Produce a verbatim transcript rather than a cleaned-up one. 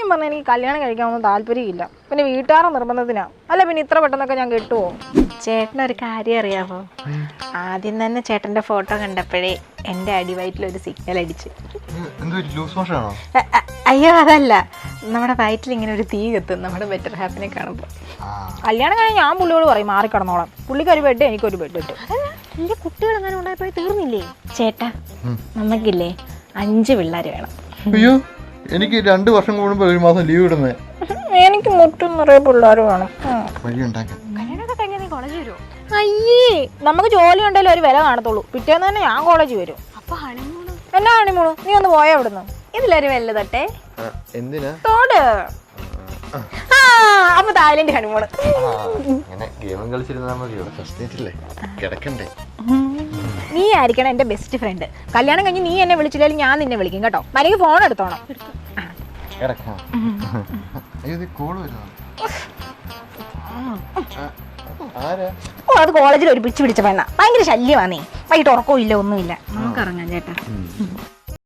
സത്യം പറഞ്ഞാൽ എനിക്ക് കല്യാണം കഴിക്കാനൊന്നും താല്പര്യമില്ല. പിന്നെ വീട്ടുകാരുടെ നിർബന്ധത്തിനാ. അല്ല പിന്നെ ഇത്ര പെട്ടെന്നൊക്കെ ഞാൻ കിട്ടുമോ? ചേട്ടനൊരു കാര്യം അറിയാമോ? ആദ്യം തന്നെ ചേട്ടന്റെ ഫോട്ടോ കണ്ടപ്പോഴേ എന്റെ അടിവയറ്റിലൊരു സിഗ്നൽ അടിച്ച്. അയ്യോ അതല്ല, നമ്മുടെ വയറ്റിൽ ഇങ്ങനെ ഒരു തീ കത്തും നമ്മുടെ ബെറ്റർ ഹാപ്പിനെ കാണുമ്പോൾ. കല്യാണം കഴിഞ്ഞാൽ ഞാൻ പുള്ളിയോട് പറയും മാറിക്കിടന്നോളാം. പുള്ളിക്ക് ഒരു ബെഡ് എനിക്കൊരു ബെഡ് ഇട്ടു. എന്റെ കുട്ടികൾ അങ്ങനെ ഉണ്ടായപ്പോ തീർന്നില്ലേ? ചേട്ടാ നമുക്കില്ലേ അഞ്ച് പിള്ളേർ വേണം. അയ്യോ എനിക്ക് രണ്ടു വർഷം കൂടുമ്പോ ഒരു മാസം ലീവ് ഇടുന്നേ. എനിക്ക് മുറ്റും നിറയെ പിള്ളേർ വേണം. കല്യാണമൊക്കെ കഴിഞ്ഞാൽ നീ കോളേജ് വരുമോ? അയ്യേ നമുക്ക് ജോലി ഉണ്ടെങ്കിലും ഒരു വില കാണത്തുള്ളൂ. പിറ്റേന്ന് തന്നെ ഞാൻ കോളേജ് വരും. അപ്പൊ ഹണിമൂണ് എന്നാ ഹണിമൂണ്? നീ ഒന്ന് പോയാ അവിടുന്ന്. ഇതിലൊരു വെല്ല തൊട്ടേ എന്തിനാ തോട്. ആ അപ്പൊ തായ്ലൻഡ് ഹണിമൂണ്. നീ ആയിരിക്കണം എന്റെ ബെസ്റ്റ് ഫ്രണ്ട്. കല്യാണം കഴിഞ്ഞ് നീ എന്നെ വിളിച്ചില്ലെങ്കിൽ ഞാൻ നിന്നെ വിളിക്കും കേട്ടോ. മരിക്ക് ഫോൺ എടുത്തോണം. ഓ അത് കോളേജിൽ ഒരു പിടിച്ച് പിടിച്ച പെണ്ണ. ഭയങ്കര ശല്യമാ. നീ വൈകിട്ട് ഉറക്കവും ഇല്ല ഒന്നുമില്ല. നമുക്ക് ഇറങ്ങാം ചേട്ടാ.